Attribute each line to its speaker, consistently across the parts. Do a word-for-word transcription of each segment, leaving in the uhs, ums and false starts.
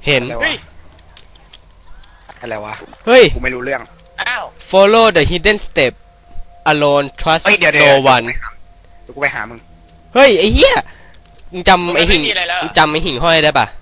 Speaker 1: เห็น
Speaker 2: อะไรวะอะไรวะ
Speaker 1: เฮ้ย
Speaker 2: กูไม่รู้เรื่อง
Speaker 3: อ้าว
Speaker 1: follow the hidden step alone trust
Speaker 2: เฮ้ยเดี๋ยวเดี๋ยว
Speaker 1: no
Speaker 2: เดี๋ยว
Speaker 1: one
Speaker 2: เดี๋ยวกูไปหามึง
Speaker 1: เฮ้ยไอ้เหี้ยมึงจำไอ้หิ่ง
Speaker 3: ม่มีอะไรแล้ว
Speaker 1: มึงจำไอ้หิ่งห้อยได้ปะ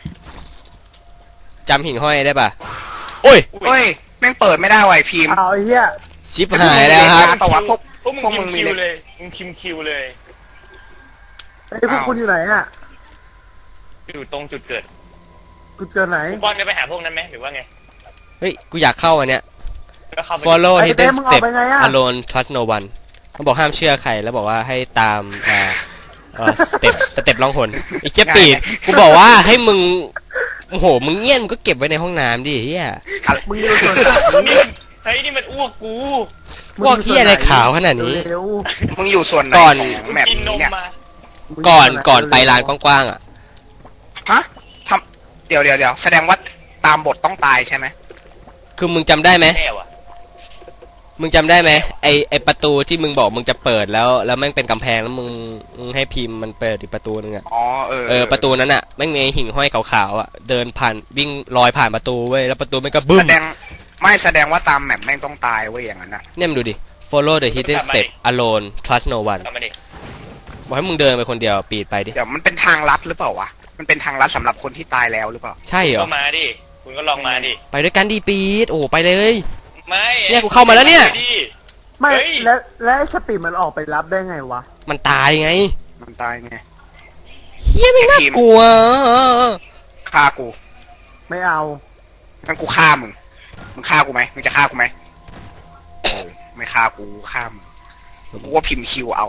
Speaker 1: จำหิ่งห้อยได้ปะโอ้ย
Speaker 2: เฮ้ยแม่งเปิดไม่ได้ว่ะไอ้พิมพ์
Speaker 4: เอาไอ้เหี้ย
Speaker 1: ชิบหายแล้วครับ
Speaker 2: ปะวะพวก
Speaker 3: พวกมึง
Speaker 2: พวก
Speaker 3: คิ
Speaker 2: มึ
Speaker 3: ม
Speaker 2: งมี
Speaker 3: คิว
Speaker 2: เลย
Speaker 3: เลยมึงคิมคิวเลย
Speaker 4: ไอ้พวกคุณอยู่ไหนอ่ะ
Speaker 3: อยู่ตรงจุดเกิด
Speaker 4: กูเจอไหน
Speaker 3: คุณบอลจะไปหาพวกนั้นไหมหรือว่าไง
Speaker 1: เฮ้ยกูอยากเข้าอันเนี้ย
Speaker 3: ก็เข้าไป
Speaker 1: follow
Speaker 4: ไอ้
Speaker 1: hidden
Speaker 4: เต้มึงออก
Speaker 1: step
Speaker 4: ไปไงอะ
Speaker 1: alone trust no one มันบอกห้ามเชื่อใครแล้วบอกว่าให้ตามอ่าเอ่อสเต็ปสเต็ปล่องหนไอ้เจ๊ปีดกูบอกว่าให้มึงโอ้โหมึงเงี้ยมึงก็เก็บไว้ในห้องน้ำดิเฮีย
Speaker 4: มึงอยู่ส่วนไหน
Speaker 3: นี่เฮ้ยนี่มันอ้วกกู
Speaker 1: พวกเฮียอะไรขาวขนาดนี้
Speaker 4: เร็ว
Speaker 2: มึงอยู่ส่วนไหน
Speaker 1: ก่อน
Speaker 2: ของ
Speaker 3: มึง
Speaker 2: แมป
Speaker 3: กินน
Speaker 2: นี้
Speaker 3: ม
Speaker 2: เนี่ย
Speaker 3: มา
Speaker 4: ๆมึง
Speaker 1: ก่อน
Speaker 4: ยู่ส่วไห
Speaker 1: ก่อนไปลานกว้างๆอ่ะ
Speaker 2: ฮะทำเดี๋ยวเดี๋ยวเดี๋ยวแสดงว่าตามบทต้องตายใช่ไหม
Speaker 1: คือมึงจำได้ไหม
Speaker 3: แน่ว่ะ
Speaker 1: มึงจำได้ไหมไอไอประตูที่มึงบอกมึงจะเปิดแล้วแล้วแม่งเป็นกำแพงแล้วมึงมึงให้พิมพ์มันเปิดอีกประตูนึงอ่ะ
Speaker 2: อ๋อเออ
Speaker 1: เออประตูนั้นอ่ะแม่งมีไอ้หิ่งห้อยขาวๆอ่ะเดินผ่านวิ่งลอยผ่านประตูเว้ยแล้วประตูแม่งก็บึ้
Speaker 2: แส
Speaker 1: ม
Speaker 2: ดงไม่แสดงว่าตามแมปแม่งต้องตายเว้ยอย่างนั้นอ่ะ
Speaker 1: เนี่ยมึงดูดิ follow the hidden step alone trust no one
Speaker 3: กลับมาดิ
Speaker 1: บอกให้มึงเดินไปคนเดียวปีดไปดิ
Speaker 2: เดี๋ยวมันเป็นทางลัดหรือเปล่าวะมันเป็นทางลัดสำหรับคนที่ตายแล้วหรือเปล่า
Speaker 1: ใช่เหรอ
Speaker 3: ก็มาดิคุณก็ลองมาดิ
Speaker 1: ไปด้วยกันดิปีดโอ้โหไปเลย
Speaker 3: ไม่
Speaker 1: เนี่ยกูเข้ามาแล้วเนี่ย
Speaker 3: ดิ
Speaker 4: ไม่
Speaker 3: เฮ้ย
Speaker 4: แล้วแล้วไอ้สปีดมันออกไปรับได้ไงวะ
Speaker 1: มันตายไง
Speaker 2: มันตายไง
Speaker 1: เฮียไม่งน่ากลัว
Speaker 2: ฆ่ากู
Speaker 4: ไม่เอา
Speaker 2: งั้นกูฆ่ามึงมึงฆ่ากูไหมมึงจะฆ่ากูไหมเออไม่ฆ่ากูฆ่ามึงกูว่าพิมพ์คิวเอา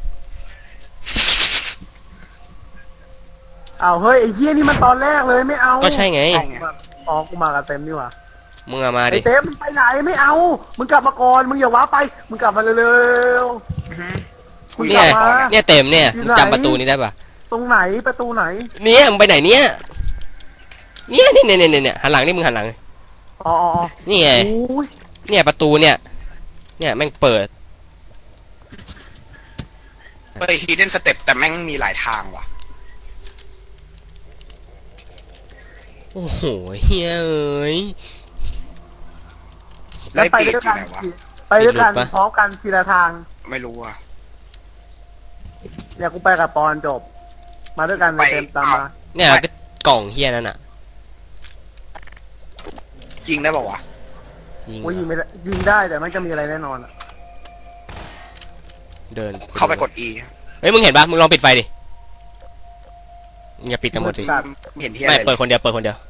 Speaker 4: เอาเฮ้ยไอ้เหี้ยนี่มันตอนแรกเลยไม่เอา
Speaker 1: ก็ใช่ไง
Speaker 2: ใช่ไง
Speaker 4: อ๋อกูมากับเต็มนี่หว่า
Speaker 1: มึงเอามา
Speaker 4: ไอ้
Speaker 1: ดิ
Speaker 4: เต็มมึงไปไหนไม่เอา มึงกลับมาก่อนมึงอย่าว้าไปมึงกลับมาเร็ว
Speaker 2: อื้อหือ
Speaker 4: ๆ
Speaker 2: กู
Speaker 4: มึง
Speaker 2: อก
Speaker 4: ลั
Speaker 2: ยา
Speaker 4: บ
Speaker 2: ก
Speaker 4: มา
Speaker 2: บอก
Speaker 1: เนี่ยเต็มเนี่ย
Speaker 4: อยู่
Speaker 1: มึง
Speaker 4: ไหน
Speaker 1: จำประตูนี้ได้ปะ
Speaker 4: ตรงไหนประตูไหน
Speaker 1: เนี่ยมึงไปไหนเนี่ยเนี่ยเนี่ยเนี่ยเนี่ยเนี่ยหันหลังนี่มึงหันหลัง
Speaker 4: อ๋ออ๋ออ๋อ
Speaker 1: นี่ไง
Speaker 4: โอ้ย
Speaker 1: เนี่ยประตูเนี่ยเนี่ยแม่งเปิด
Speaker 2: เฮ้ย hidden step แต่แม่งมีหลายทางว่ะ
Speaker 1: โอ้โหเฮ้ยเอ้ย
Speaker 2: แล้ว
Speaker 4: ไป
Speaker 2: ไอ้ปีก
Speaker 4: ด้วย
Speaker 2: อยู่
Speaker 4: กัน
Speaker 2: ไหนวะ
Speaker 4: ไปด้วยกัน
Speaker 1: หลุดปะ
Speaker 4: พร้อมกันทีละทาง
Speaker 2: ไม่รู้อ่ะ
Speaker 4: เนี่ยกูไปกับปอนจบ มาด้วยกัน
Speaker 2: ไป
Speaker 4: เต็มตามมา
Speaker 1: เนี่ยก็กล่องเฮียนั่นอ่ะ
Speaker 2: ยิงได้ป่าวะ
Speaker 1: ยิง
Speaker 4: โอ้ยยิงไม่ได้ยิงได้แต่มันจะมีอะไรแน่นอนอะ
Speaker 1: เดิน
Speaker 2: เข้าไปกด E
Speaker 1: เฮ้ยมึงเห็นปะมึงลองปิดไฟดิมึงอย่าปิดกันหมดสิ
Speaker 2: ไม่เห็นที่อะ
Speaker 1: ไม่
Speaker 2: ไร
Speaker 1: เปิดคนเดียวเปิดคนเดียว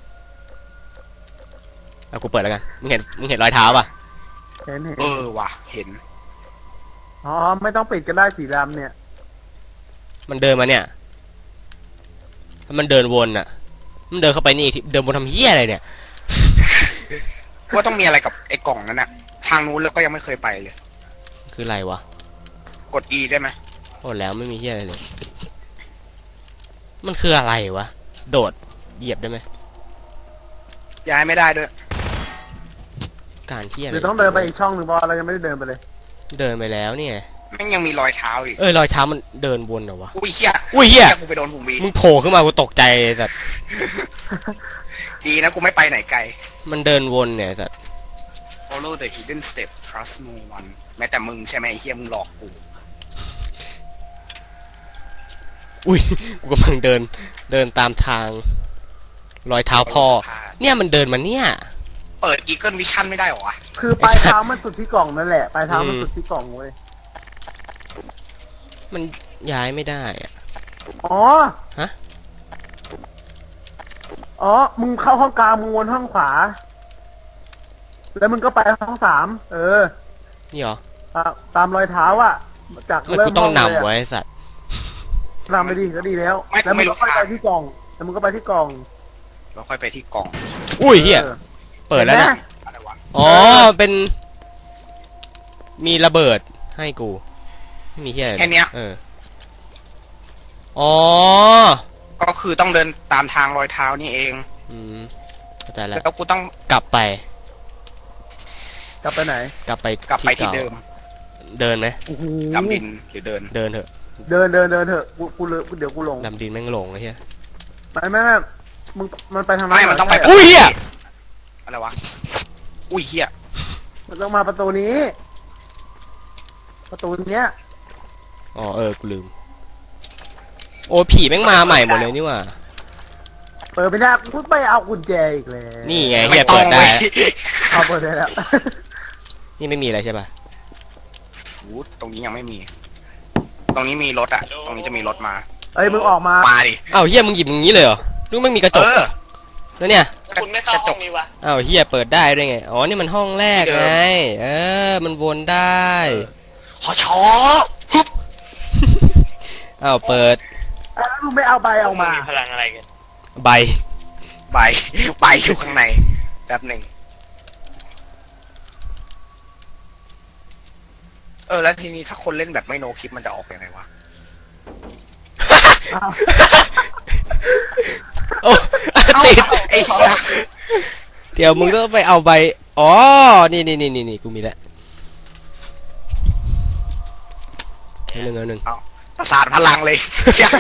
Speaker 1: เอากูเปิดแล้วกันมึงเห็นมึงเห็นรอยเท้าปะ
Speaker 4: เห็นเห็น
Speaker 2: เออว่ะเห็น
Speaker 4: อ๋อไม่ต้องปิดก็ได้สีดำเนี่ย
Speaker 1: มันเดินมาเนี่ยแล้วมันเดินวนอ่ะ มันเดินเข้าไปนี่อีกทีเดินวนทำเหี้ยอะไรเนี่ย
Speaker 2: ว่าต้องมีอะไรกับไอ้กล่องนั้นน่ะ ทางนู้นแล้วก็ยังไม่เคยไปเลย
Speaker 1: คืออะไรวะ
Speaker 2: กด E ได้ไหม
Speaker 1: โอ้แล้วไม่มีเหี้ยอะไรเลย มันคืออะไรวะ โดดเหยียบได้ไหม
Speaker 2: ย้ายไม่ได้ด้วย
Speaker 1: การเหี้ยอะไร
Speaker 4: เดี๋ยวต้องเดินไปอีกช่องหนึ่งเพราะเรายังไม่ได้เดินไปเลย
Speaker 1: เดินไปแล้วเนี่ย
Speaker 2: แม่งยังมีรอยเท้าอีก
Speaker 1: เอ้ยรอยเท้ามันเดินวนเหรอวะ
Speaker 2: อุ้ยเหี้ย
Speaker 1: อุ้ยเหี้ย
Speaker 2: กูไปโดนผงวี
Speaker 1: มึงโผล่ขึ้นมากูตกใจแต่
Speaker 2: ดีนะกูไม่ไปไหนไกล
Speaker 1: มันเดินวนเนี่ยแต่
Speaker 2: follow the hidden step trust no one แม้แต่มึงใช่ไหมไอ้เหี้ยมึงหลอกกู
Speaker 1: อุ้ยกูกำลังเดินเดินตามทาง รอยเท้าพ่อ เนี่ยมันเดินมาเนี่ย
Speaker 2: เปิด Eagle Vision ไม่ได้เหรอวะ
Speaker 4: คือปลายเท้ามันสุดที่กล่องนั่นแหละปลายเท้ามันสุดที่กล่องเว้ย
Speaker 1: มันย้ายไม่ได้อะ
Speaker 4: อ๋อ
Speaker 1: ฮะ
Speaker 4: อ๋อมึงเข้าห้องกลางมึงวนห้องขวา แล้วมึงก็ไปห้องสามเออ
Speaker 1: นี่เหรอ
Speaker 4: ตามตามรอยเท้าอะจาก
Speaker 1: มัน
Speaker 4: เริ่
Speaker 1: กู
Speaker 4: ม
Speaker 1: ต้อง
Speaker 4: ห้เลย
Speaker 1: นำ
Speaker 4: อะ
Speaker 1: ไว้สัตว์
Speaker 4: นำไปดีก็ดีแล้ว
Speaker 2: ไม่
Speaker 4: แล้วมึ
Speaker 2: ไม่
Speaker 4: ง
Speaker 2: รู้
Speaker 4: ก็ไป
Speaker 2: ทาง
Speaker 4: ที่กล่องแล้วมึงก็ไปที่กล่อง
Speaker 2: เราค่อยไปที่กล่อง
Speaker 1: อุ้ยเฮีย
Speaker 4: ออ
Speaker 1: เปิดแล้วนะ
Speaker 4: ห็นไหม
Speaker 2: อะไรวะ
Speaker 1: อ๋อเป็น มีระเบิดให้กูไม่มีเฮียอะไร
Speaker 2: แค่เนี้ย
Speaker 1: เอออ๋อ
Speaker 2: ก็คือต้องเดินตามทางรอยเท้านี่เอง
Speaker 1: อืมเข้าใจแล้ว
Speaker 2: แล้วกูต้อง
Speaker 1: กลับไป
Speaker 4: กลับไปไหน
Speaker 1: กลับไป
Speaker 2: กลับไปที่
Speaker 1: ก่า
Speaker 2: เดิม
Speaker 1: เดินไหม
Speaker 4: โอ้โห
Speaker 2: ดำดินหรือเดิน
Speaker 1: เดินเถอะ
Speaker 4: เดินเดินเดินเถอะกูกูเลยเดี๋ยวกูหลง
Speaker 1: ดำดินแม่งหลงเลยเฮีย
Speaker 4: ไปแม่แม่มึงมันไปทางนั้น
Speaker 2: ไม่มันต้องไป
Speaker 4: เหร
Speaker 1: อุ้ยเหี้ย
Speaker 2: อะไรวะอุ้ยเฮีย
Speaker 4: มันต้องมาประตูนี้ ประตูเนี้ย
Speaker 1: อ๋อเออกูลืมโอ้ผีแม่งมาใหม่หมดเลยนี่หว่า
Speaker 4: เปิดไม่ได้กูไปเอากุญแจอีกเลย
Speaker 1: นี่ไง
Speaker 2: ไม่
Speaker 1: เฮีย
Speaker 2: ต้อ
Speaker 1: เปิ
Speaker 2: ง
Speaker 1: ดได้
Speaker 2: เว้ย
Speaker 4: เอาเปิดได้แล้ว
Speaker 1: นี่ไม่มีอะไรใช่ป่ะ
Speaker 2: อู้ตรงนี้ยังไม่มี ตรงนี้มีรถอะตรงนี้จะมีรถมา
Speaker 4: เอ้ยมึงออกมา
Speaker 2: มาดิ
Speaker 1: อ้าวเฮียมึงหยิบอย่างนี้เลยเหรอนึกไม่มีกระจ
Speaker 2: เอก อ
Speaker 1: แล้วเนี่ย
Speaker 3: แล้วคุณไม่เข้าห้องนี้วะ
Speaker 1: อ้าวเฮียเปิดได้ด้วยไงอ๋อนี่มันห้องแรก
Speaker 2: ที่เดิม
Speaker 1: ไงเออมันวนได้
Speaker 2: ขอชอฮึบ
Speaker 1: อ้าวเปิด
Speaker 4: แล้วมึงไม่เอาใบเอามา
Speaker 3: พลังอะไรกัน
Speaker 1: ใบ
Speaker 2: ใบใบอยู่ข้างในแป๊บหนึ่งเออแล้วทีนี้ถ้าคนเล่นแบบไม่โนคลิปมันจะออกยังไงวะ
Speaker 4: อ้าว
Speaker 1: โอ้ ติด
Speaker 2: ไอ้สัส
Speaker 1: เดี๋ยวมึงต้องไปเอาใบอ๋อนี่นี่นี่นี่นี่กูมีแล้วหนึ่งเอาหนึ่ง
Speaker 2: ประสาทพลังเลยเชี่ย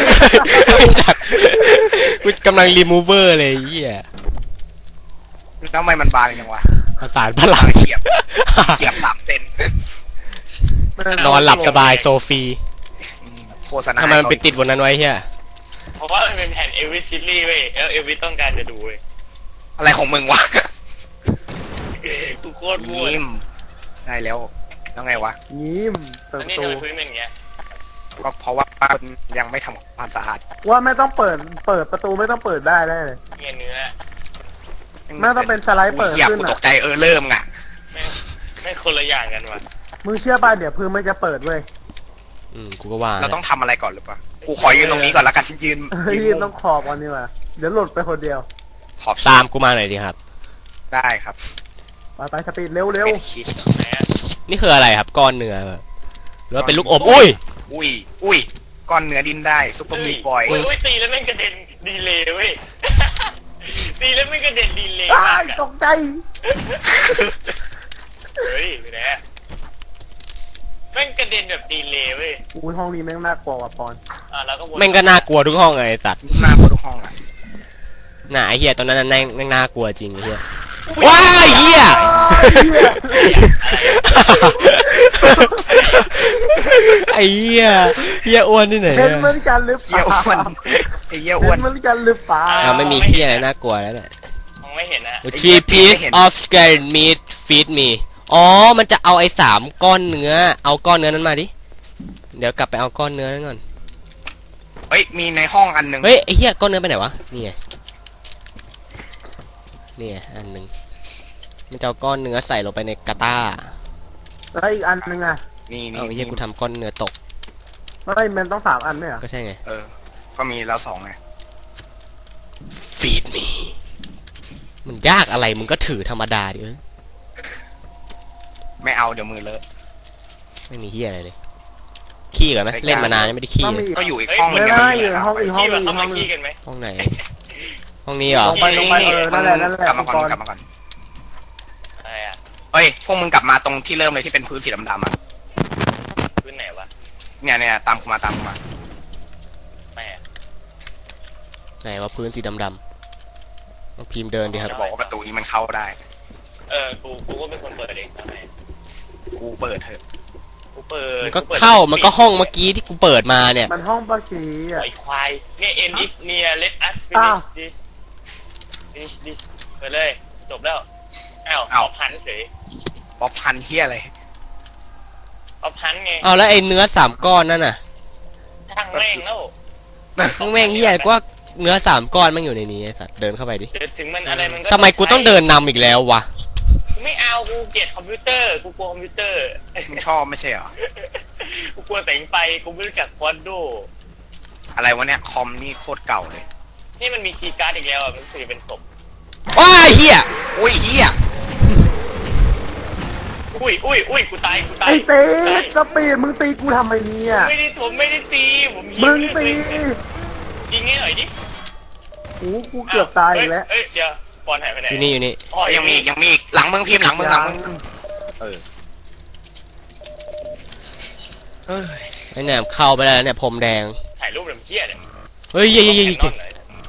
Speaker 1: กูกำลังรีมูเวอร์เลยไอ้เฮีย
Speaker 2: แล้วทำไมมันบานจังวะ
Speaker 1: ประสานพลัง
Speaker 2: เฉียบเฉียบสามเซน
Speaker 1: นอนหลับสบายโซฟี
Speaker 2: อืมโฆษณา
Speaker 1: ทำไมมันไปติดบนนั้นไว้เฮีย
Speaker 3: เพราะว่ามันเป็นแผ่นเอลวิสฟิลลี่เว้ยแล้วเอลวิสต้องการจะดูเว้ย
Speaker 2: อะไรของมึงวะ
Speaker 3: กูโคตรมั่ว
Speaker 2: ยิ้มได้แล้วแล้วไงวะ
Speaker 4: ยิ้มเปิด
Speaker 3: อัน
Speaker 4: ป
Speaker 3: นี้
Speaker 4: ระตู
Speaker 3: ทำไมพื้นเป็นอย่างเงี้ย
Speaker 2: ก็เพราะว่าคนยังไม่ทำความสะอาด
Speaker 4: ว่าไม่ต้องเปิด เปิดประตูไม่ต้องเปิดได้ได้เลย
Speaker 3: เงี้ยเนื้อ
Speaker 4: น่าต้องเป็นสไลด์เปิด
Speaker 2: เหี้ย
Speaker 4: ขึ้น
Speaker 2: กู
Speaker 4: อะ
Speaker 2: ตกใจเออเริ่มอ่ะ
Speaker 3: แม่งแม่งคนละอย่างกันว่ะ
Speaker 4: มึงเชื่อป่ะเดี๋ยวพื้นมันจะเปิดเว้ย
Speaker 1: อืมกูก็ว่า
Speaker 2: เราต้องทำอะไรก่อนหรือเปล่ากูขอยืนตรงนี้ก่อนแล้วกันยืน
Speaker 4: เฮ้ย
Speaker 2: ยืน
Speaker 4: ต้องขอบก่อนนี่ว่ะเดี๋ยวหลุดไปคนเดียว
Speaker 2: ขอบ
Speaker 1: ตามกูมาหน่อยดิครับ
Speaker 2: ได้ครับ
Speaker 4: ไปไปสปีดเร็วเร็ว
Speaker 2: เป็นคิด
Speaker 3: ไหนอะ
Speaker 1: นี่คืออะไรครับก้อนเนื้อเหรอหรือว่าเป็นลูกอมอุ้ย
Speaker 2: อุ้ยอุ้ยก้อนเนื้อดิ้นได้ซุปเปอร์มีทบอย
Speaker 3: อุ้ยอุ้ยตีแล้วแม่งกระเด็นดีเลยเว้ย ตีแล้วแม่งกระเด็นดีเลย
Speaker 4: อ้าม
Speaker 3: าก
Speaker 4: ย
Speaker 3: อะ
Speaker 4: ตกใจ
Speaker 3: เฮ้ยไปไหนอะแม่งกระเด็นแบบดีเลยเว้ย
Speaker 4: อุ้ยห้องนี้แม่งน่ากลัวว่ะปอน
Speaker 3: อ่ะแล้วก็วน
Speaker 1: แม่งก็น่ากลัวทุกห้องไอ้สัตว์
Speaker 2: หน้าคนทุกห้องอ่ะ
Speaker 1: น่ะไอ้เหี้ยตอนนั้นน่ะแม่งแม่งน่ากลัวจริงไอ้เหี้ยว้ายเหี้ยไอ้เหี้ยเหี้ยอ้วนที่ไหน
Speaker 4: เห็น
Speaker 1: อะ
Speaker 4: เหมือนกันหรือเป
Speaker 2: เยี่ย
Speaker 4: ล่า
Speaker 2: อ้วนไอ้เยี่ยอ้
Speaker 4: เห็
Speaker 2: วน
Speaker 4: นเหมือนกันหรือเปล่า
Speaker 1: อ่าไม่มีเหี้ยอะไรน่ากลัวแล้วเนี่ย
Speaker 3: มองไม่เห็นนะ
Speaker 1: Three piece of scared meat feed me อ๋อมันจะเอาไอ้สามก้อนเนื้อเอาก้อนเนื้อนั้นมาดิเดี๋ยวกลับไปเอาก้อนเนื้อนั้นก่อน
Speaker 2: เฮ้ยมีในห้องอันหนึ่ง
Speaker 1: เฮ้ยไอ้เหี้ยก้อนเนื้อไปไหนวะนี่ไงนี่ไงอันหนึ่งมันจะเอาก้อนเนื้อใส่ลงไปในกาต้า
Speaker 4: แล้วอีกอันนึงอ่ะ
Speaker 2: นี่นี่
Speaker 1: เอาไอ้เหี้ยกูทำก้อนเนื้อตก
Speaker 4: เฮ้ยมันต้องสามอันไหมอ่ะ
Speaker 1: ก็ใช่ไง
Speaker 2: เออ ก็มีแล้วสองไง
Speaker 1: feed me มันยากอะไรมึงก็ถือธรรมดาดิเอ้ย
Speaker 2: ไม่เอาเดี๋ยวมือเลอะ
Speaker 1: ไม่มีเหี้ยอะไรเลยขี้กันไหมเล่นมานานยังไม่ได้ขี้
Speaker 4: ต้อง
Speaker 1: เล
Speaker 4: มี
Speaker 1: ย
Speaker 4: อีก
Speaker 2: ก็อยู่อีกห้องหนึ
Speaker 4: ไม่
Speaker 2: ง
Speaker 4: ได้
Speaker 2: ยัง
Speaker 4: อยู่ในห้องอีกห้อง
Speaker 3: ขี้
Speaker 4: หนึ
Speaker 3: แบบ
Speaker 4: ง
Speaker 3: เข้า
Speaker 4: ห้อ
Speaker 3: มาง
Speaker 4: หนึ
Speaker 3: ขี้
Speaker 4: ง
Speaker 3: กันไหม
Speaker 1: ห้องไหน ห้องนี้เหรอ
Speaker 4: ลงไปลงไปเออนั่นแหละนั่นแหละ
Speaker 2: กลับมาก่อนกลับมาก่อน
Speaker 3: อะไรอะ
Speaker 2: เฮ้ยพวกมึงกลับมาตรงที่เริ่มเลยที่เป็นพื้นสีดำๆอ่ะ
Speaker 3: พื้นไหนวะ
Speaker 2: เนี่ยเนี่ยตามกูมาตามกูมา
Speaker 3: ไม่อะ
Speaker 1: ไหนว่าพื้นสีดำๆต้องพิมพ์เดินดิครับ
Speaker 2: จะบอกว่าประตูนี้มันเข้าได้
Speaker 3: เออกูกูก็เป็นคนเปิดเองทำไม
Speaker 2: กูเปิดเถอะ
Speaker 3: กูเปิด
Speaker 1: มันก็เข้ามันก็ห้องเมื่อกี้ที่กูเปิดมาเนี่ย
Speaker 4: มันห้องปะกี้อ่ะ
Speaker 3: ไอ้ควายเนี่ย end is near let us
Speaker 4: อ้าว
Speaker 3: finish this finish this ไปเลยจบแล้วอ้าวเอาพันเฉย
Speaker 2: ป๊อปพันเฮียอะไร
Speaker 3: เอาพันไง
Speaker 1: เอาแล้วไอ้เนื้อสามก้อนนั่นน่ะ
Speaker 3: ช่างแม่งแล้ว
Speaker 1: มึงแม่งเหี้ยกว่าเนื้อสามก้อนมันอยู่ในนี้ไอ้สัตว์เดินเข้าไปดิ
Speaker 3: เดี๋ยวถึงมันอะไรมันก็
Speaker 1: ทำไมกูต้องเดินนำอีกแล้ววะ
Speaker 3: กูไม่เอากูเกลียดคอมพิวเตอร์กูกลัวคอมพิวเตอร์
Speaker 2: มึงชอบไม่ใช่เหรอ
Speaker 3: กูกลัวแต่งไปกูไม่รู้จักฟอนโด
Speaker 2: อะไรวะเนี่ยคอมนี่โคตรเก่าเลย
Speaker 3: นี่มันมีคีย์การ์ดอีกแล้วอ่ะมันคือเป็นศพ
Speaker 1: ว้ายเหี้ย
Speaker 2: อุ้ยเฮีย
Speaker 3: อุ้ยอุ้ยอุ้ยกูตายกูตาย
Speaker 4: ไอ้เต้
Speaker 3: ตาย
Speaker 4: สปีดมึงตีกูทำไมเนี่ย
Speaker 3: ไม่ได้ผมไม่ได้ตีผมยิ
Speaker 4: มึง
Speaker 3: เรื่อ
Speaker 4: ตี
Speaker 3: ยิงให้หน่อยดิ
Speaker 4: โอ้กูเกือบตายอีกแล้ว
Speaker 3: เอ้ยเดี๋ยวบอลหายไปไหน
Speaker 1: อยู่นี่อยู่นี่
Speaker 3: อ๋อ
Speaker 2: ยังมีอีกยังมีอีกหลังมึงพิมพ์หลังมึงหลังมึงเออเอ้ย
Speaker 1: ไอ้เนี่ยเข้าไปแล้วเนี่ยพรมแดง
Speaker 3: ถ่ายรูปแบบเพี้ยเนี่ย
Speaker 1: เฮ้ยเย้ยเย้ยเย้ย
Speaker 3: แคนนอนหน่อย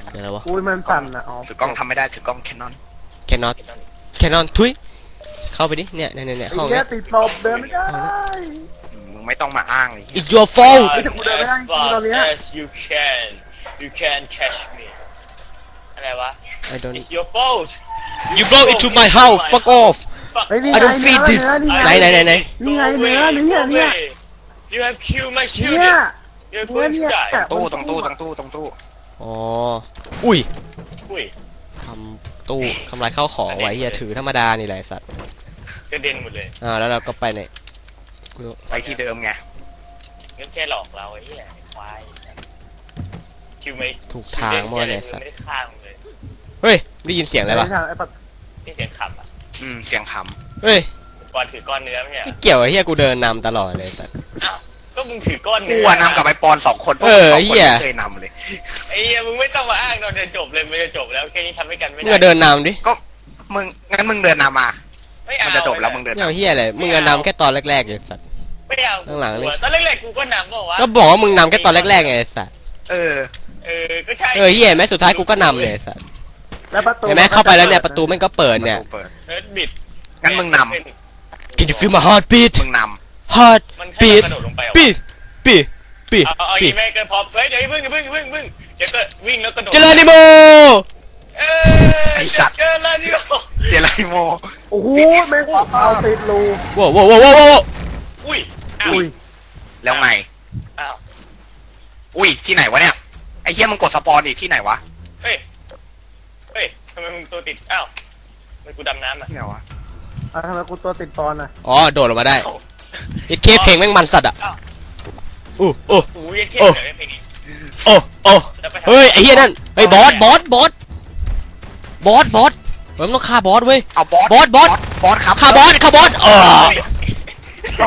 Speaker 1: เดี๋ยวอะไรวะ
Speaker 4: อุ้ยมันสั่นอ่ะอ๋อ
Speaker 2: ถือกล้องทำไม่ได้ถือกล้องแคนนอน
Speaker 1: แคนนอนแคนนอนทุยเข้าไปดิเนี่ยเนี่ยเนี่ย
Speaker 4: ไอ้
Speaker 1: ห้อง
Speaker 4: เนี้
Speaker 1: เนี้
Speaker 4: ย
Speaker 1: ย
Speaker 4: ติดตบเดินไม่ได้
Speaker 2: มึงไม่ต้องมาอ้างเลย
Speaker 1: it's your fault
Speaker 4: Ôi, thằng cu đơ mới đang
Speaker 3: As far
Speaker 4: con này á.
Speaker 3: as you can you can catch me อะไรวะ
Speaker 1: I don't
Speaker 3: it's your fault
Speaker 1: you broke into my house fuck off
Speaker 3: Fuck
Speaker 4: เฮ้ยนี่
Speaker 1: I
Speaker 4: ไง
Speaker 1: don't
Speaker 4: เนื้
Speaker 1: feed
Speaker 4: อ
Speaker 1: this
Speaker 4: เนื้อนี่ไง
Speaker 1: ไหนไหนไหนไหน
Speaker 4: นี่ไงเนื้อนี่อ่ะเนี่ย
Speaker 3: you have killed my
Speaker 4: เนี่ย
Speaker 3: children you're going to
Speaker 4: เนี่ย
Speaker 3: die
Speaker 2: ตู้ตรงตู้ตรงตู้ตรงตู้
Speaker 1: อ๋ออุ้ย
Speaker 3: อุ้ย
Speaker 1: ทำตู้ทำลายข้าวของไว้เฮียถือธรรมดานี่แหละไอ้สัตว์
Speaker 3: กระเด็นหมดเลย
Speaker 1: อ่าแล้วเราก็ไปในกูรู้
Speaker 2: ไปที่เดิมไง
Speaker 3: งั้นแค่หลอกเราไอ้เหี้ยไอ้ควายคิวไม่
Speaker 1: ถูกทางมั่วเนี่ยสัต
Speaker 3: ไม่
Speaker 1: ว์
Speaker 3: ได้ฆ่ามึงเลย
Speaker 1: เฮ้ยได้ยินเสียงอะไรวะ
Speaker 4: ไอ้ปะ
Speaker 3: นี่เสียงขับอ่ะ
Speaker 2: อืมเสียงข
Speaker 1: เฮ้ย
Speaker 3: ก่อนถือก้อนเนื้อเนี่ย
Speaker 1: ไม่เกี่ยวไอ้เฮียกูเดินนำตลอดเลยสัตว์
Speaker 3: อ้าวก็มึงถือก้อน
Speaker 2: ำ
Speaker 3: เนื้
Speaker 2: กูอะนำกับไอ้ปอนสองคนพวก
Speaker 1: เอ
Speaker 2: มึ
Speaker 1: อง
Speaker 2: สองคน
Speaker 1: เหี้ย
Speaker 2: ไม่เคยนำเลย
Speaker 3: ไอ้เหี้ยมึงไม่ต้องมาอ้างเราจะจบเลยมันจะจบแล้วแค่นี้ทำให้กันไม่
Speaker 1: มึง
Speaker 3: ได้
Speaker 1: ก็เดินนำดิ
Speaker 2: ก็มึงงั้นมึงเดินนำมา
Speaker 3: ไม่เอา
Speaker 2: มันจะจบแล้วมึงเดิน
Speaker 1: ไม่เอา
Speaker 2: นำ
Speaker 1: เฮียอะไรมึงก็นำแค่ตอนแรกๆเลยสัตว์
Speaker 3: ไม่เอา
Speaker 1: ข้างหลังนี่
Speaker 3: ตอนแรกๆกูก็นำบอกว่า
Speaker 1: ก็บอกว่ามึงนำแค่ตอนแรกๆไงไอ้สัตว์
Speaker 2: เออ
Speaker 3: เออก็ใช่
Speaker 1: เออเฮียแม้สุดท้ายกูก็นำเลยไอ้สัตว์
Speaker 4: แล้วประตู
Speaker 1: เห็นไหมเข้าไปแล้วเนี่ยประตูแม่งก็เปิดเนี่ย
Speaker 2: ประตูเปิด
Speaker 3: เฮิร์ตบิด
Speaker 2: งั้นมึงน
Speaker 1: Can you feel my heart beat
Speaker 2: มึงน
Speaker 1: heart
Speaker 3: มันให้
Speaker 1: beat
Speaker 3: เรากระโดดลงไปเหรอ
Speaker 1: beat beat beat
Speaker 3: เอาเอาอี
Speaker 1: beat
Speaker 3: แม่เกินพอเฮ้ยเดี๋ยวอย่าเพิ่งอย่าเพิ่งอย่าเพิ่งอย่าเพิ่งเดี๋ยวก็วิ่งแล้วกระโดด
Speaker 1: เจริญนิโม
Speaker 3: เออเจอแล้วนี่โอ้
Speaker 2: ำเจไรโม
Speaker 4: โอ้โหแม่งเอาติดรู
Speaker 1: ว้าวว้าวว้าวว้าวว้าว
Speaker 3: อุ้ยอ้าว
Speaker 4: อุ้ย
Speaker 2: แล้วไง
Speaker 3: อ้าว
Speaker 2: อุ้ยที่ไหนวะเนี่ยไอ้เหี้ยมึงกดสปอนอีกที่ไหนวะ
Speaker 3: เฮ้ยเฮ้ยทำไมมึงตัวติดอ้าวทำไมกูดำน้ำอ่ะ
Speaker 2: ที่ไหนวะ
Speaker 4: อ่ะทำไมกูตัวติดตอนอ่ะ
Speaker 1: อ๋อโดดลงมาได้ไอ้เคเพลงแม่งมันสัตว์อ่ะ
Speaker 3: อ้าว
Speaker 1: อู้อู้
Speaker 3: โอ้ยเท่
Speaker 1: โอ้
Speaker 3: เลยเพลงนี้
Speaker 1: โอ้โอ้เฮ้ยไอ้เหี้ยนั่นเฮ้ยบอสบอสบอสบอสบอสเฮ้ยมันต้องฆ่าบอสเว้ย
Speaker 2: เอาบอส
Speaker 1: บอสบอส
Speaker 2: บอสครับ
Speaker 1: ฆ่าบอสฆ่าบอสเออ
Speaker 4: ก็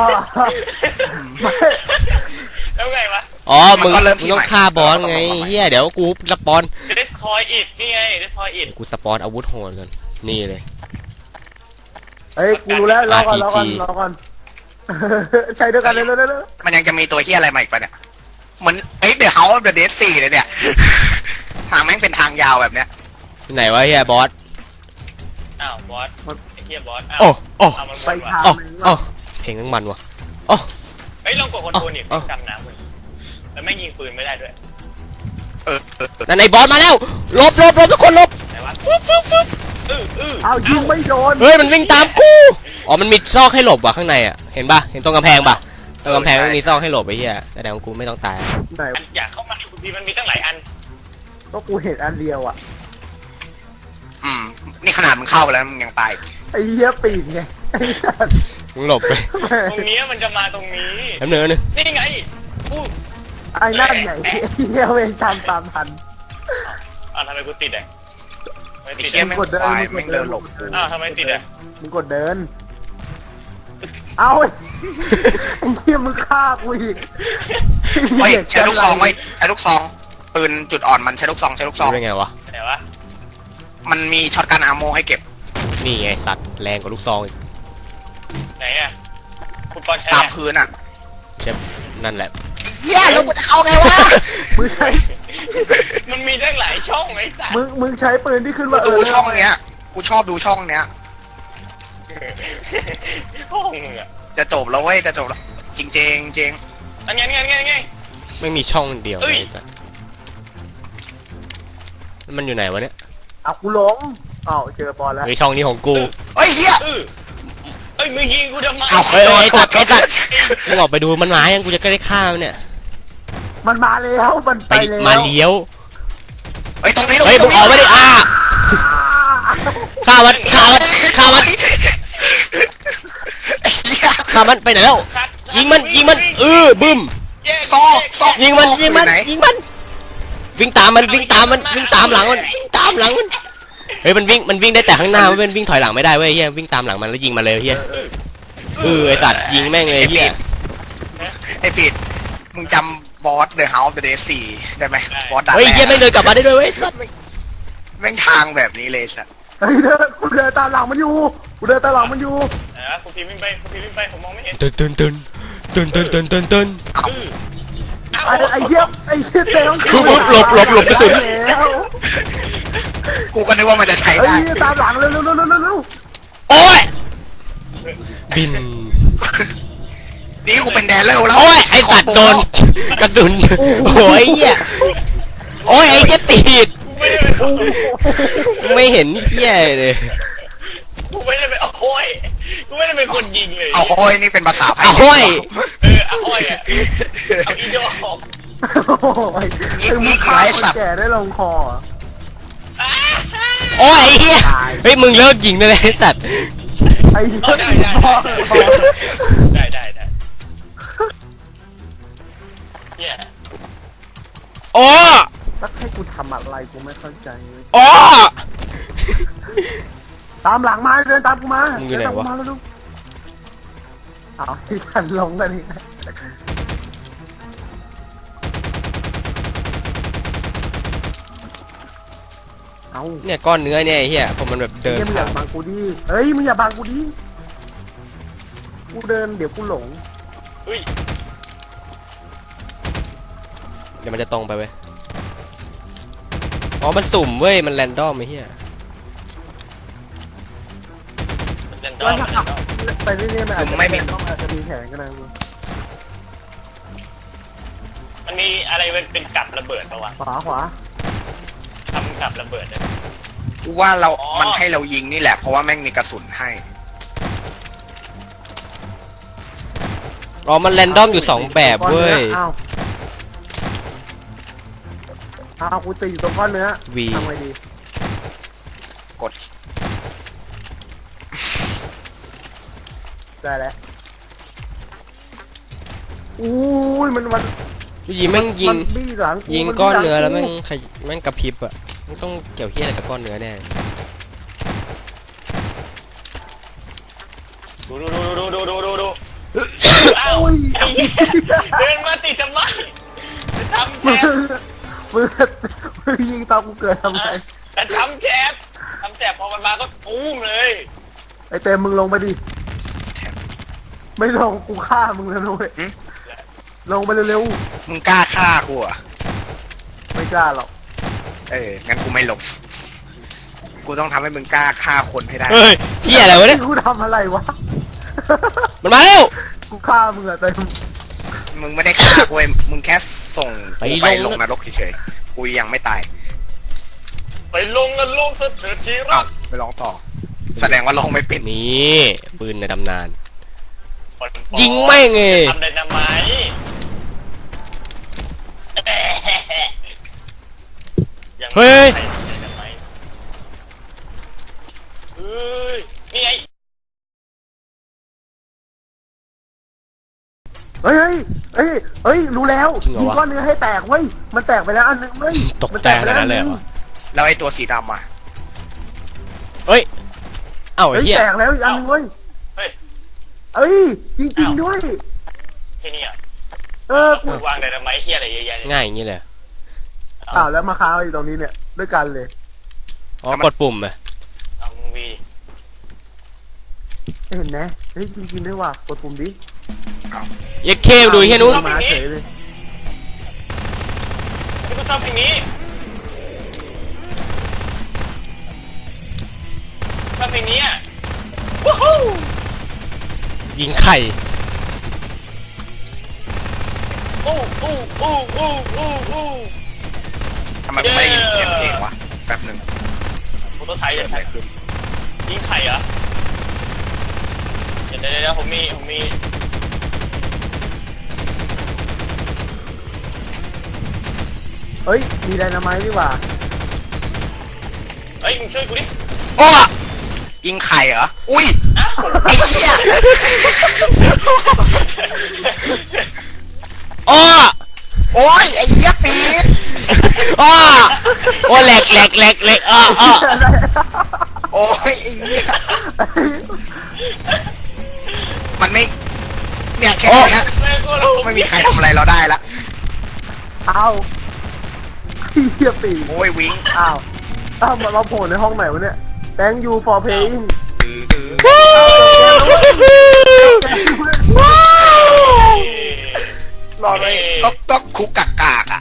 Speaker 3: แล้วไงวะ
Speaker 1: อ๋อมึงมึงต้องฆ่าบอสไงเฮียเดี๋ยวกูสปอน
Speaker 3: จะได้ซอยอิดนี่ไงได้ซอยอิด
Speaker 1: กูสปอนอาวุธโหดกันนี่เลย
Speaker 4: เฮ้ยกูรู้แล้วรอก่อนรอก่อน
Speaker 1: อาร์ พี จี
Speaker 4: รอก่อนใช้ด้วยกันเลยเลยเลย
Speaker 2: มันยังจะมีตัวเหี้ยอะไรมาอีกปะเนี่ยเหมือนเอ้ยเดี๋ยวเฮาเดอะเดซสี่เลยเนี่ย ทางแม่งเป็นทางยาวแบบเนี้ย
Speaker 1: ไหนวะเฮียบอส
Speaker 3: อ้าวบอสไอ้เหี้ยบอสอ้าว
Speaker 1: โอ้โอ้
Speaker 3: เอามัน
Speaker 4: ไป
Speaker 3: วน
Speaker 4: ทาง
Speaker 3: ว่ะ
Speaker 1: โอ้โอ้เพลงแม่งมันว่ะโอ้
Speaker 3: เฮ้ยลองกดคอนโทรลนี่
Speaker 1: อ๋อ
Speaker 3: ดำน้ำเลยแล้วแม่งยิงปืนไม่ได้ด้วย
Speaker 2: เออเออเออ
Speaker 1: นั่นไอ้บอสมาแล้วหลบหลบหลบทุกคนหลบ
Speaker 3: ไหนวะ
Speaker 1: ฟึบฟึบฟึบ
Speaker 3: อื้ออื้อ
Speaker 4: เอายิงไม่โดน
Speaker 1: เฮ้ยมันวิ่งตามกูอ๋อมันมีซอกให้หลบว่ะข้างในอ่ะเห็นป่ะเห็นตรงกำแพงป่ะตรงกำแพงมันมีซอกให้หลบไอ้เหี้ยแสดงว่ากูไม่ต้องตาย
Speaker 4: ไหน
Speaker 3: อันอยากเข้ามาในคุณพีมันมีตั้งหลายอัน
Speaker 4: ก็กูเห็นอันเดียวอ่ะ
Speaker 2: อืมนี่ขนาดมึงเข้าไปแล้วมึงยังตาย
Speaker 4: ไอ้เหี้ยปีนไงไอ้สัตว์
Speaker 1: มึงหลบไป
Speaker 3: ตรงนี้มันจะมาตรงนี้
Speaker 1: แป๊บนึงแป๊บนึง
Speaker 3: นี่ไงอู้
Speaker 4: ไอ้นั่นไงไอ้เหี้ยเวงตามตามทัน
Speaker 3: อ้าวทำไมกูติดอ่ะไม่
Speaker 2: ไอ้
Speaker 3: ติด
Speaker 2: เหี้ย
Speaker 3: อ่ะ
Speaker 2: แม่งควายแม่งเดินหลบกู
Speaker 3: อ้าวทำไมติดอ่ะ
Speaker 4: มึงกดเดิน เอาไอ้เหี้ยมึงฆ่ากูอีก
Speaker 2: เฮ้ยใช้ลูกซองไว้ใช้ลูกซองปืนจุดอ่อนมันใช้ลูกซองใช้ลูกซอง
Speaker 1: รู้ได้ไงวะ
Speaker 3: ไหนวะ
Speaker 2: มันมีช็อตกันอาร์โมให้เก็บ
Speaker 1: นี่ไงสัตว์แรงกว่าลูกซองอีก
Speaker 3: ไหนอ่ะคุณปอนใช้
Speaker 2: ตาม
Speaker 3: อะ
Speaker 2: พื้นอ่ะ
Speaker 1: เชฟนั่นแหละ
Speaker 2: เหี้ยแล้วกูจะเข้าไงวะ
Speaker 4: มึงใช้
Speaker 3: มันมีตั้งหลายช่องไอ้สัส
Speaker 4: มึงมึงใช้ปืนที่ขึ้น
Speaker 2: กู
Speaker 4: ว่าเอ
Speaker 2: ดู
Speaker 4: อ
Speaker 2: ช่องเนี้ยกูชอบดูช่องเนี้ย
Speaker 3: ห้องมึงอ่ะ
Speaker 2: จะจบแล้วเว้ยจะจบแล้วจริงจริงจริง
Speaker 3: อันไงไงไงไง
Speaker 1: ไม่มีช่องเดียว
Speaker 3: เอ้
Speaker 1: เลย ยสัตว์มันอยู่ไหนวะเนี่ย
Speaker 4: เอากูหลงอ้าวเจอบอลแล้ว
Speaker 1: เฮ้ยช่องนี้ของกู
Speaker 2: เฮ้ยเหี้ย
Speaker 3: เออเอ้ยมึงยิงกูทำไม
Speaker 2: เอา
Speaker 1: เฮ้ย
Speaker 2: โด
Speaker 1: เฮ้
Speaker 2: น
Speaker 1: ย
Speaker 2: โด
Speaker 1: ตั
Speaker 2: น
Speaker 1: ดไอ้ตัดมึงออกไปดูมันมายังกูจะได้ฆ่ามันเนี่ย
Speaker 4: มันมาแล้วมัน
Speaker 1: ไป
Speaker 4: ไปแล้ว
Speaker 1: มาเลี้ยว
Speaker 2: เฮ้ยตรงนี้ตรง
Speaker 1: เฮ้ย
Speaker 2: นี้
Speaker 1: มึงออกไม่ได้อ่าฆ่ามันฆ่ามันฆ่ามัน
Speaker 2: ไอ้เหี้ย
Speaker 1: ฆ่ามันไปไหนแล้ว
Speaker 3: สัตว์
Speaker 1: ยิงมันยิงมันเออบึ้ม
Speaker 3: แยก
Speaker 2: ซอกซอก
Speaker 1: ยิงมัน
Speaker 2: ซอก
Speaker 1: ยิงมัน
Speaker 2: อยู่ไหน
Speaker 1: ยิงมันวิ่งตามมันวิ่งตามมันวิ่งตามหลังมันวิ่งตามหลังมันเฮ้ยมันวิ่งมันวิ่งได้แต่ข้างหน้ามันวิ่งถอยหลังไม่ได้เว้ยเฮียวิ่งตามหลังมันแล้วยิงมาเลยเฮียเออไอ้ตัดยิงแม่งเลยเฮีย
Speaker 2: ไอ้ปิดมึงจำบอสเดอะเฮาส์เดอะเดย์สี่ได้ไหมบอสด่า
Speaker 1: เฮ้ย
Speaker 2: แร
Speaker 1: เฮีย
Speaker 2: ก
Speaker 1: ไม่งเดินกลับมาได้ด้วยเว้ยสัตว์
Speaker 2: แม่งทางแบบนี้เลยสัตว์
Speaker 4: เฮ้ยเดินกูเดินตามหลังมันอยู่กูเดินตามหลังมันอยู่
Speaker 3: ไหนวะคุณพีวิ่งไปคุณพีวิ่งไปผมมองไม่เห็น
Speaker 1: ตึนตึนตึนตึนตึนตึนตึนตึน
Speaker 3: อื้อ
Speaker 4: ไอ้ไอ้เหี้ยไอ้เหี้ยเต้ต้อง
Speaker 1: ปุ๊บปุ๊บหลบหลบหลบกระสุน
Speaker 4: แล้ว
Speaker 2: กูก็นึกว่ามันจะใช้
Speaker 4: ไอ้
Speaker 2: ได้
Speaker 4: เหี้ยตามหลังเร็วเร็วเร็วเร็วเร็ว
Speaker 1: โอ้ยบิน
Speaker 2: นี่กูเป็นแดนแล้วแล้ว
Speaker 1: โอ้ยไอ้สัตว์โดนกระสุนโอ้ยเหี้ยโอ้ยไอ้เหี้ยติด
Speaker 3: กูไม่ได้เป็น
Speaker 1: ไม่เห็นเหี้ยเลย
Speaker 3: กูไม่ได้เป็นโอ้ยกูไม่ได้เป็นคนยิงเลย
Speaker 2: เอาโอ้ยนี่เป็นภาษาไทย
Speaker 1: โอ้ย
Speaker 3: เออโอ้ยอ่ะเอาอีโดออก
Speaker 4: โอ้ยถึงมึงฆ่าคนแก่ได้ลงคอ
Speaker 1: โอ้ยไอ้เหี้ยเฮ้ยมึงเลิกยิงได้เลยไอ้สัตว์
Speaker 4: ไอ้เหี้ย
Speaker 3: ได้ได้ได้ได้ได้เนี่ย
Speaker 1: โอ้
Speaker 4: แล้วให้กูทำอะไรกูไม่เข้าใจเลย
Speaker 1: โอ้
Speaker 4: ตามหลังมาเดินตามกูมา
Speaker 1: มึงอยู่ไหนวะ
Speaker 4: เดิตามกูมาแล้วลูกเอาที่ฉันลงกันนี่เอา
Speaker 1: เนี่ยก้อนเนื้อเนี่ยไอ้เหี้ยผมมันแบบเดิน
Speaker 4: เฮ้ยมึงอย่าบังกูดิเฮ้ยมึงอย่าบังกูดิกูเดินเดี๋ยวกูหลง
Speaker 3: เฮ้ย
Speaker 1: เดี๋ยวมันจะตรงไปเว้ยอ๋อมันสุ่มเว้ยมันแรนดอมไอ้เหี้ย
Speaker 3: มันเล่นด
Speaker 4: แล้
Speaker 3: อ
Speaker 4: ว
Speaker 3: ม
Speaker 4: ถ้า
Speaker 3: มัน
Speaker 4: ขับ
Speaker 3: เล่นดอม
Speaker 4: ไปเรื่อยๆมันอาจจะต้องอาจจะมีแผนก็ได้มึง
Speaker 3: มันมีอะไรเป็นเป็นกับระเบิดปะวะ
Speaker 4: ขวาขวา
Speaker 3: ทำกับระเบิดเลย
Speaker 2: กูว่าเรา
Speaker 3: อ๋อ
Speaker 2: มันให้เรายิงนี่แหละเพราะว่าแม่งมีกระสุนให้
Speaker 1: อ๋อมันแรนดอมอยู่สองแบบเว้ย
Speaker 4: อ้าวอ้าวกูตีอยู่ตรงก้อนเนื้อ
Speaker 1: วี
Speaker 4: ทำไงดี
Speaker 2: กด
Speaker 4: ได้แล้วอู้ยมันมัน
Speaker 1: ยิงแม่งยิง
Speaker 4: มันบี้หลัง
Speaker 1: ยิง
Speaker 4: มั
Speaker 1: ก้อน
Speaker 4: บี้ห
Speaker 1: เนื้อแล้วแม่ง
Speaker 4: กู
Speaker 1: ขยแม่งกระพริบอ่ะมันต้องเกี่ยวเหี้ยอะไรกับก้อนเนื้อแน่
Speaker 3: ดูดูดูดูดูดูดูดูอ้าว
Speaker 4: โอ้ย
Speaker 3: ไอ้เหี้ยเดินมาติดทำไมจะทำแจ
Speaker 4: มึง
Speaker 3: บ
Speaker 4: มึงมึงยิงตามกูเกิดทำไม
Speaker 3: จะทำแจบทำแจบพอมันมาก็ตุ้มเลย
Speaker 4: ไอเต็มมึงลงไปดิ ไม่ลงกูฆ่ามึงแล้วนุ้ยลงไปเร็ว
Speaker 2: มึงกล้าฆ่ากูเหรอ่ะ
Speaker 4: ๆไม่กล้าหรอก
Speaker 2: เอองั้นกูไม่หลบกูต้องทำให้มึงกล้าฆ่าคนให้ได้
Speaker 1: เฮ้ยเหี้ยอะไรวะเนี่ย
Speaker 4: กูทำอะไรวะ
Speaker 1: มันมาแล้ว
Speaker 4: กูฆ่ามึงอะเต็ม
Speaker 2: มึงไม่ได้ฆ่ากูเว้ยมึงแค่ส่งกูไป
Speaker 1: ไปล
Speaker 2: ล
Speaker 1: ง
Speaker 2: งนรกเฉยๆกูยังไม่ตาย
Speaker 3: ไปลงกันลงเถิดเถิดทีรั
Speaker 2: เอ้าก ไปลองต่อ แสดงว่าลงไม่เป็น
Speaker 1: นี่ปืนในตำนาน
Speaker 3: คนปอ
Speaker 1: ยิงแม่งไง
Speaker 3: ทำได้ทำไมยังไม่
Speaker 1: เฮ้ย
Speaker 3: ใครทำได้ทำไมเฮ้ยนี่ไง
Speaker 4: เฮ้ยเฮ้ยเฮ้ยเฮ้ยรู้แล้ว
Speaker 1: จริงเหรอ
Speaker 4: ยิง
Speaker 1: วะ
Speaker 4: ก้อนเนื้อให้แตกเว้ยมันแตกไปแล้วอันนึงเว้ย
Speaker 1: ตก
Speaker 4: มัน
Speaker 1: ใจ
Speaker 4: ไป
Speaker 1: ขนาดนั้นเลยเหรอ
Speaker 2: แล้วไอ้ตัวสีดำอ่ะ
Speaker 1: เฮ้ยเอ้าไอ้
Speaker 4: เฮ้ย
Speaker 1: เหี้ย
Speaker 4: แตกแล้วอีกอันนึงเว้ย
Speaker 3: เฮ้ย
Speaker 4: เอ้ยจริงๆด้วย
Speaker 3: ที่นี่อ่ะ
Speaker 4: เออกู
Speaker 3: วางได้ทำไมเฮียอะไรเยอะแยะเนี่ย
Speaker 1: ง่ายอย่างนี้เลย
Speaker 4: อ้าวแล้วมาค้างอยู่ตรงนี้เนี่ยด้วยกันเลย
Speaker 1: อ๋อกดปุ่มอะ
Speaker 3: เอามึงวี
Speaker 4: เห็นไหมเฮ้ยจริงๆด้วยว่ะกดปุ่มดิ
Speaker 1: เอ็กเคดูไอ้เหี้ยนู้น
Speaker 4: มาเฉยเลย
Speaker 3: ที่กูชอบเพลงนี้ชอบเพลงนี้อ่ะวู้ฮู้
Speaker 1: ยิงไข่
Speaker 3: อู้อู้อู้อู้อู้อู้
Speaker 2: ทำไมกูไม่ได้ยินเสียงเพลงวะแป๊บหนึ่ง
Speaker 3: กูต้องไทย
Speaker 2: เกิ
Speaker 3: เล
Speaker 2: ด
Speaker 3: ย
Speaker 2: อะไรขึ้น
Speaker 3: ยิงไข่เหรอเดี๋ยวเดี๋ยวเดี๋ยวผมมีผมมี
Speaker 4: เฮ้ยมีไดนาไมต์ดีกว่า
Speaker 3: เฮ้ยมึงช่วยกูดิ
Speaker 1: อ้อ
Speaker 2: ยิงไข่เหรอ อุ้ย
Speaker 3: อ้าว
Speaker 2: ไอ้เหี้ย
Speaker 1: อ้อ
Speaker 2: โอ้ยไอ้เหี้ยปีด
Speaker 1: อ้อโอ้แหลกแหลกแหลกแหลกอ้ออ้อ
Speaker 2: โอ้ยไอ้เหี้ยมันไม่ เนี่ยแค่นี้นะ
Speaker 3: แม่งกูรู้
Speaker 2: ไม่มีใครทำอะไรเราได้ละ
Speaker 4: เอาเฮียปี
Speaker 2: โอ้ยวิง
Speaker 4: อ้าวอ้าวมาเราโผล่ในห้องไหนวะเนี่ย Thank you for playing
Speaker 2: ดื้อดื้อ
Speaker 1: ว้าว
Speaker 2: รอเลยก๊อกก๊อกคุกกากกาก